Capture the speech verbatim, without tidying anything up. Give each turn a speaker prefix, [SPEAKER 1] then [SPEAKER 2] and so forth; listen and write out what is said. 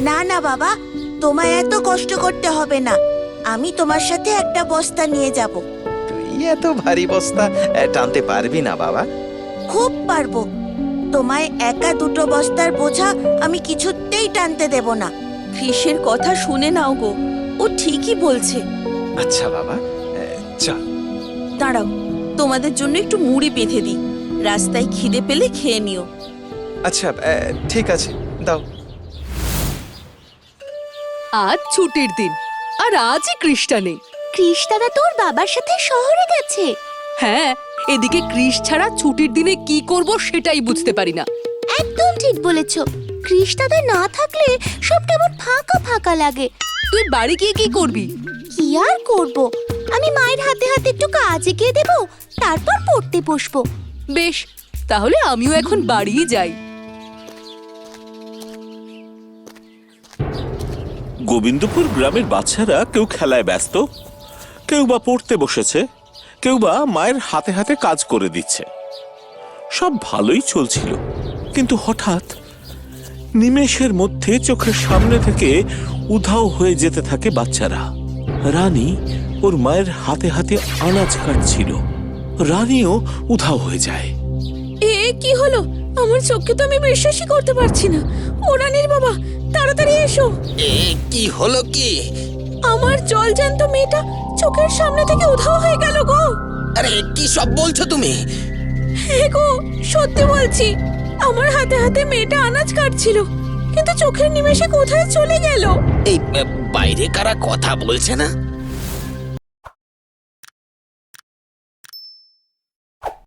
[SPEAKER 1] না না বাবা, তোমায় এত কষ্ট করতে হবে না। আমি তোমার সাথে একটা বস্তা নিয়ে যাব।
[SPEAKER 2] তুই এত ভারী বস্তা আহ, টানতে পারবি না বাবা।
[SPEAKER 1] খুব পারবো। তোমায় একা দুটো বস্তার বোঝা আমি কিছুতেই টানতে দেব না।
[SPEAKER 3] কৃষের কথা শুনে নাও গো, ও ঠিকই বলছে।
[SPEAKER 2] আচ্ছা বাবা, আহ, চল।
[SPEAKER 3] দাঁড়াও, তোমাদের জন্য একটু মুড়ি বেঁধে দিই, রাস্তায় খিদে পেলে খেয়ে নিও।
[SPEAKER 2] আচ্ছা আহ, ঠিক আছে, দাও।
[SPEAKER 4] আজ ছুটির দিন, আর আজই কৃষ্টা নেই।
[SPEAKER 5] কৃষ দাদা তোর বাবার সাথে শহরে গেছে।
[SPEAKER 4] হ্যাঁ, এদিকে কৃষ ছাড়া ছুটির দিনে কি করব সেটাই বুঝতে পারি না।
[SPEAKER 5] একদম ঠিক বলেছ। কৃষ দাদা না থাকলে সব কেমন ফাঁকা ফাঁকা লাগে।
[SPEAKER 4] তুই বাড়ি গিয়ে কি করবি?
[SPEAKER 5] কি আর করব, আমি মায়ের হাতে হাতে একটু কাজে গিয়ে দেবো, তারপর পড়তে বসবো।
[SPEAKER 4] বেশ, তাহলে আমিও এখন বাড়িই যাই।
[SPEAKER 6] গোবিন্দপুর গ্রামের বাচ্চারা কেউ খেলায় ব্যস্ত, কেউ বা পড়তে বসেছে, কেউ বা মায়ের হাতে হাতে কাজ করে দিচ্ছে। সব ভালোই চলছিল, কিন্তু হঠাৎ নিমেষের মধ্যে চোখের সামনে থেকে উধাও হয়ে যেতে থাকে বাচ্চারা। রানী ওর মায়ের হাতে হাতে আনাজ কাটছিল, রানীও উধাও হয়ে যায়।
[SPEAKER 3] এ কি হলো? আমার চোখকে তো আমি বিশ্বাসই করতে পারছি না। ও রানীর বাবা, তাড়াতাড়ি এসো।
[SPEAKER 7] এ কি হলো কি?
[SPEAKER 3] আমার জলজ্যান্ত মেয়েটা চোখের সামনে থেকে উধাও হয়ে গেল গো।
[SPEAKER 7] আরে কি সব বলছো তুমি?
[SPEAKER 3] হ্যাঁ গো, সত্যি বলছি। আমার হাতে হাতে মেয়েটা আনাজ কাটছিল, কিন্তু চোখের নিমেষে কোথায় চলে গেল।
[SPEAKER 7] এই আহ, বাইরে কারা কথা বলছে না?